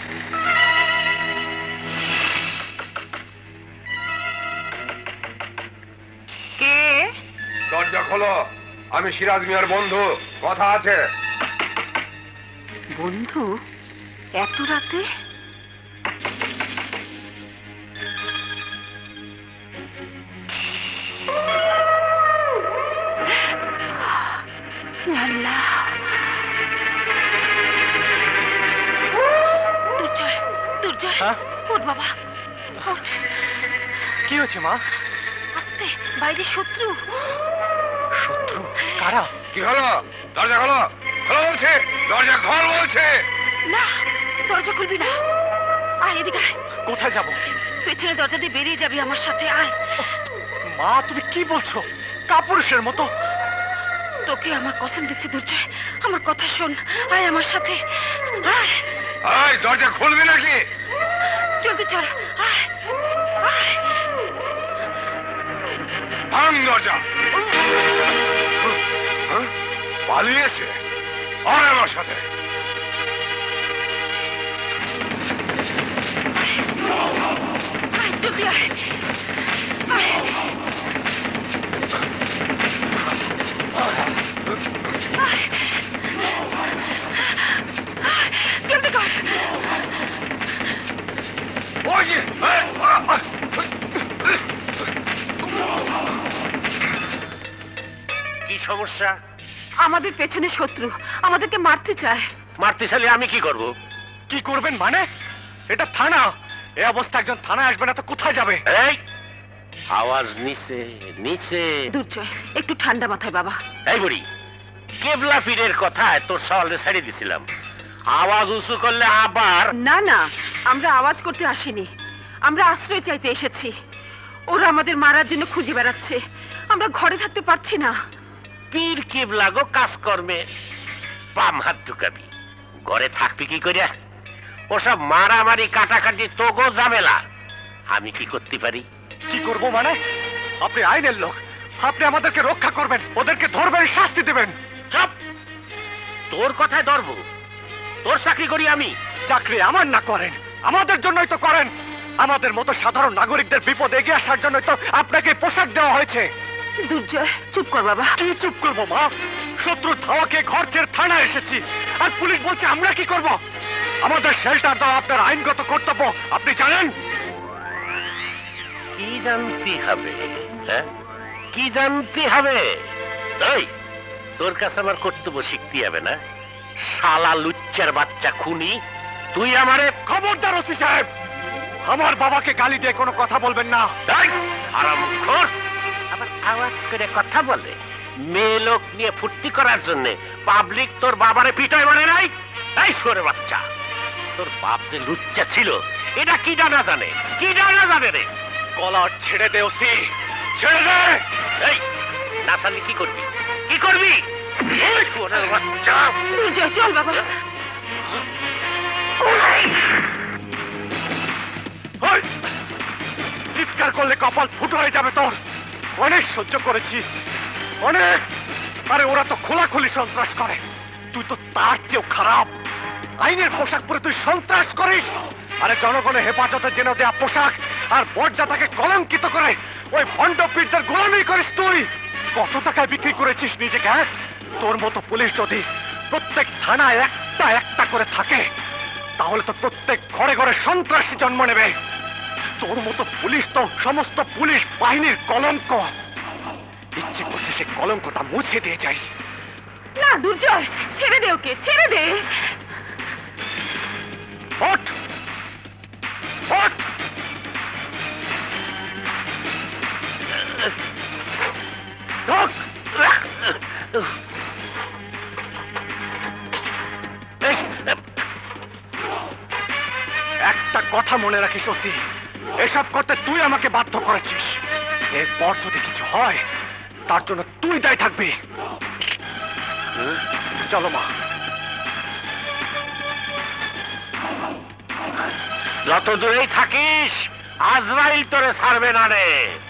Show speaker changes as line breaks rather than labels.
কে?
দরজা খোলো, আমি সিরাজ মিয়ার বন্ধু, কথা আছে।
বন্ধু? এত রাতে? আল্লাহ, দুর্জয়, দুর্জয়, ওঠ বাবা, ওঠ।
কি হয়েছে মা?
আস্তে, বাইরে শত্রু।
শত্রু? কারা?
কি হলো? দরজা খোলো, খোলো বলছে, দরজা খোল বলছে।
না, দরজা খুলবি না। আয় এদিকে আয়।
কোথায় যাব?
পেছনে দরজা দিয়ে বেরিয়ে যাবি আমার সাথে, আয়।
মা তুমি কি বলছো? কাপুরুষের মতো।
তোকে আমার কসম দিচ্ছি দুর্জয়, আমার কথা শোন, আয় আমার সাথে, আয়।
এই দরজা খুলবি নাকি?
জলদি চল, আয়, আয়।
ভাঙ দরজা। পালিয়েছে? আয় আমার সাথে।
আয়, জলদি আয়, আয়। জলদি কর।
ওই যে,
কি সমস্যা?
আমাদের পেছনে শত্রু, আমাদেরকে মারতে চায়।
মারতে চাইলে আমি কি করব?
কি করবেন মানে? এটা থানা। এই অবস্থা একজন থানায় আসবে না তো কোথায় যাবে?
এই আওয়াজ নিচে নিচে।
দুর্জয়, একটু ঠান্ডা মাথায় বাবা।
এই বুড়ি, কেবলা পীরের কথায় তোর সওয়ালে ছেড়ে দিছিলাম, আওয়াজ উঁচু করলে আবার।
না না, আমরা আওয়াজ করতে আসিনি, আমরা আশ্রয় চাইতে এসেছি। ওরা আমাদের মারার জন্য খুঁজে বেড়াচ্ছে, আমরা ঘরে থাকতে পারছি না।
পীর কেবলা গো কাজকর্মে বাম হাত ঢুকাবি, ঘরে থাকবি কি করিয়া? ওসব মারামারি কাটাকাটি তো গো ঝামেলা। আমি কি করতে পারি?
কি করব মানে? আপনি আইনের লোক, আপনি আমাদেরকে রক্ষা করবেন, ওদেরকে ধরবেন, শাস্তি দেবেন।
চুপ! তোর কথায় ধরবো? তোর চাকরি করি আমি।
চাকরি আমার না করেন, আমাদের জন্যই তো করেন। আমাদের মতো সাধারণ নাগরিকদের বিপদ এগিয়ে আসার জন্যই তো আপনাকে পোশাক দেওয়া হয়েছে।
দুর্জয়, চুপ কর বাবা।
কি চুপ করবো মা? শত্রু ধাওয়াকে ঘর ছেড়ে থানায় এসেছি, আর পুলিশ বলছে আমরা কি করব? আমাদের শেল্টার দেওয়া আপনার আইনগত কর্তব্য, আপনি জানেন?
কি জানতে হবে? হ্যাঁ, কি জানতে হবে? এই, তোর কাছে আমার কর্তব্য শিখতে হবে না? শালা লুচ্চার বাচ্চা খুনি, তুই আমারে।
খবরদার ওসি সাহেব, আমার বাবাকে গালি দিয়ে কোনো কথা বলবেন না।
হারামখোর, আবার আওয়াজ করে কথা বলে। মেয়ে লোক নিয়ে ফুর্তি করার জন্য পাবলিক তোর বাবারে পিটাই মানে নাই? এই সরে বাচ্চা, তোর বাপ যে লুচ্চা ছিল এটা কি জানা জানে? কি জানা জানে রে?
কলার ছেড়ে দে ওসি, ছেড়ে দে।
এই না ছাড়লে কি করবি? কি করবি? এই সরে বাচ্চা।
দুর্জয়, চল বাবা।
ওই, চিৎকার করলে কপাল ফুটো হয়ে যাবে তোর। অনেক সহ্য করেছি, অনেক। আরে ওরা তো খোলাখুলি সন্ত্রাস করে, তুই তো তার চেয়েও খারাপ। আইনের পোশাক পরে তুই সন্ত্রাস করিস। আরে জনগণের হেফাজতের জন্য দেয়া পোশাক আর মর্যাদাকে কলঙ্কিত করে ওই ভণ্ড পীরদের গোলামি করিস তুই। কত টাকায় বিক্রি করেছিস নিজেকে? হ্যাঁ, তোর মতো পুলিশ যদি প্রত্যেক থানায় একটা একটা করে থাকে তাহলে তো প্রত্যেক ঘরে ঘরে সন্ত্রাসী জন্ম নেবে। তোর মতো পুলিশ তো সমস্ত পুলিশ বাহিনীর কলঙ্ক। ইচ্ছে করছে সে কলঙ্কটা মুছে দিয়ে যাই।
না দুর্জয়, ছেড়ে দে ওকে, ছেড়ে দে।
ওঠ, ওঠ। ঢোক। একটা কথা মনে রাখিস সত্যি, এসব করতে তুই আমাকে বাধ্য করেছিস। এরপর যদি কিছু হয় তার জন্য তুই দায়ী থাকবি। চলো মা।
যত দূরেই থাকিস আজরাইল তোরে ছাড়বে না রে।